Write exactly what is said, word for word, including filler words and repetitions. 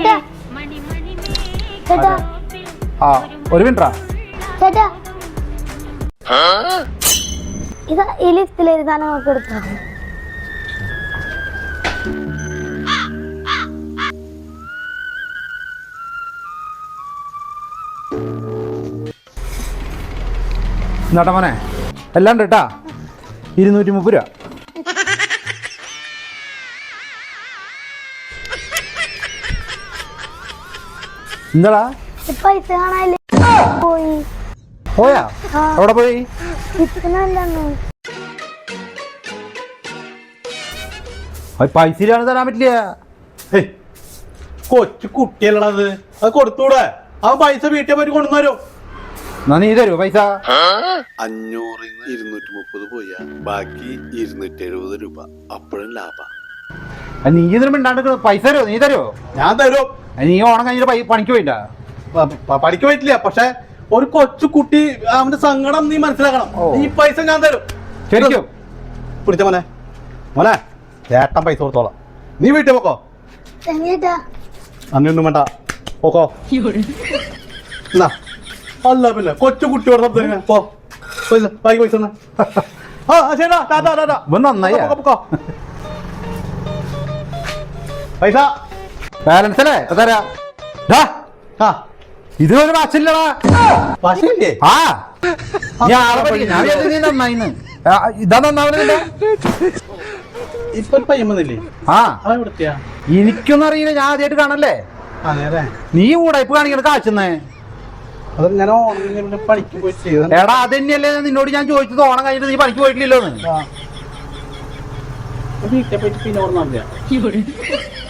ആ ഒരു മിനിറ്റാ ചേട്ടാ ഇത് ഈ ലിസ്റ്റിലെ സാധനം നമുക്ക് എടുക്കാം. എന്നാട്ടാ മോനെ എല്ലാം ഉണ്ട് കേട്ടാ. ഇരുന്നൂറ്റി മുപ്പത് രൂപ. എന്താടാ പൈസ കാണാനില്ല. പോയി പോയാ? എവിടെ പോയി? പൈസ ഇല്ലാണ്ട് തരാൻ പറ്റില്ല. കൊച്ചു കുട്ടിയല്ലത്, അത് കൊടുത്തൂടെ? അവൻ പൈസ വീട്ടിൽ പോയി കൊണ്ടുവരും. എന്നാ നീ തരുമോ പൈസ? അഞ്ഞൂറിന്ന് ഇരുന്നൂറ്റി മുപ്പത് പോയാ ബാക്കി ഇരുന്നൂറ്റി എഴുപത് രൂപ. അപ്പോഴും ലാഭം. നീ ഇതിനും മിണ്ടാണ്ട് പൈസ തരുമോ? നീ തരുമോ? ഞാൻ തരും. നീ ഓണം കഴിഞ്ഞിട്ട് പണിക്ക് പോയില്ല? പഠിക്കാൻ പറ്റില്ല. പക്ഷെ ഒരു കൊച്ചു കുട്ടി, അവന്റെ സങ്കടം നീ മനസ്സിലാക്കണം. ഈ പൈസ ഞാൻ തരും. ശരിക്കും പിടിച്ച മോനെ, മോനെ ചേട്ടൻ പൈസ കൊടുത്തോളാം. നീ വീട്ടിൽ പോക്കോ. അങ്ങനെയൊന്നും വേണ്ട, പോക്കോ. എന്നാ അല്ല പിന്നെ കൊച്ചു കുട്ടിയോട് സംസാരിക്കാൻ പോ. പൈസ ബാക്കി പൈസ ആ ശരിടാ. ടാറ്റാ ടാറ്റാ. നന്നായി പൊക്കോ. പൈസ ബാലൻസ് അല്ലേ തരാ. ആ ഇതിനൊരു മാച്ചില്ലടാ. പശയില്ലേ? ആ ഞാൻ നീ നന്നായിന്ന്. ഇതാ നന്നാവുന്നില്ല. ഇപ്പൊ ഒരു പയ്യൻ വന്നില്ലേ? ആ അതെവിടുത്തെയാ? എനിക്കൊന്നും അറിയില്ല. ഞാൻ ആദ്യമായിട്ട് കാണല്ലേ. അതെ. നീ കൂടായ്പ കാണിക്കണ കാച്ചുന്നേ. അത് ഞാൻ ഓണം പണിക്ക് പോയി ചെയ്ത. എടാ അത് തന്നെയല്ലേ നിന്നോട് ഞാൻ ചോദിച്ചത്. ഓണം കഴിഞ്ഞിട്ട് നീ പണിക്ക് പോയിട്ടില്ലല്ലോ. വീട്ടിൽ പോയിട്ട് പിന്നെ ഓർമ്മ